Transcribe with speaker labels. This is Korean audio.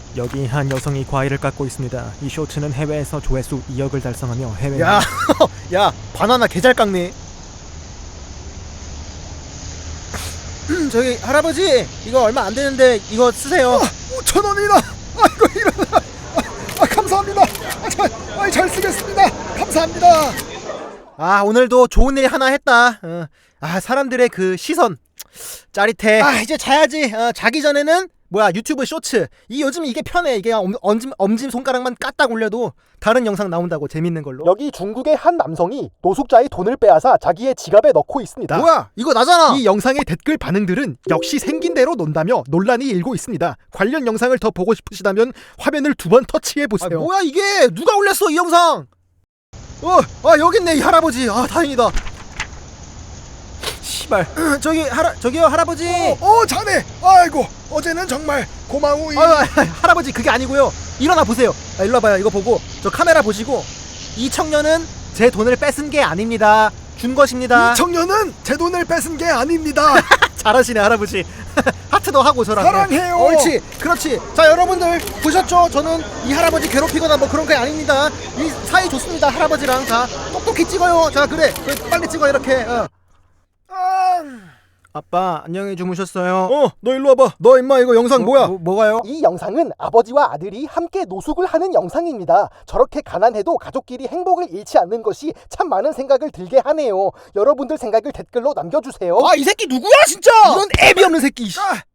Speaker 1: 여기 한 여성이 과일을 깎고 있습니다. 이 쇼츠는 해외에서 조회수 2억을 달성하며 해외
Speaker 2: 야, 야, 바나나 개잘 깎네. 저기 할아버지, 이거 얼마 안 되는데 이거 쓰세요.
Speaker 3: 5,000원이나. 아이고 이러나. 감사합니다. 잘 쓰겠습니다. 감사합니다.
Speaker 2: 아, 오늘도 좋은 일 하나 했다. 사람들의 그 시선 짜릿해. 이제 자야지. 자기 전에는 유튜브 쇼츠. 요즘 이게 편해. 이게 엄지 손가락만 까딱 올려도 다른 영상 나온다고, 재밌는 걸로.
Speaker 4: 여기 중국의 한 남성이 노숙자의 돈을 빼앗아 자기의 지갑에 넣고 있습니다.
Speaker 2: 뭐야? 이거 나잖아.
Speaker 3: 이 영상의 댓글 반응들은 역시 생긴 대로 논다며 논란이 일고 있습니다. 관련 영상을 더 보고 싶으시다면 화면을 2번 터치해 보세요.
Speaker 2: 뭐야 이게? 누가 올렸어 이 영상? 여기 있네 이 할아버지. 다행이다. 씨발. 저기요 할아버지.
Speaker 3: 자네. 아이고 어제는 정말 고마우이.
Speaker 2: 할아버지 그게 아니고요. 일어나 보세요. 일로 와봐요. 이거 보고 저 카메라 보시고, 이 청년은 제 돈을 뺏은 게 아닙니다. 준 것입니다.
Speaker 3: 이 청년은 제 돈을 뺏은 게 아닙니다.
Speaker 2: 잘하시네 할아버지. 하트도 하고 저랑.
Speaker 3: 사랑해요.
Speaker 2: 옳지, 그렇지. 자 여러분들 보셨죠? 저는 이 할아버지 괴롭히거나 뭐 그런 게 아닙니다. 이 사이 좋습니다 할아버지랑. 자 똑똑히 찍어요. 자 그래 빨리 찍어 이렇게. 아빠 안녕히 주무셨어요? 너 일로 와봐. 너 임마 이거 영상 뭐야? 뭐가요?
Speaker 4: 이 영상은 아버지와 아들이 함께 노숙을 하는 영상입니다. 저렇게 가난해도 가족끼리 행복을 잃지 않는 것이 참 많은 생각을 들게 하네요. 여러분들 생각을 댓글로 남겨주세요.
Speaker 2: 이 새끼 누구야 진짜? 이런 애비 없는 새끼.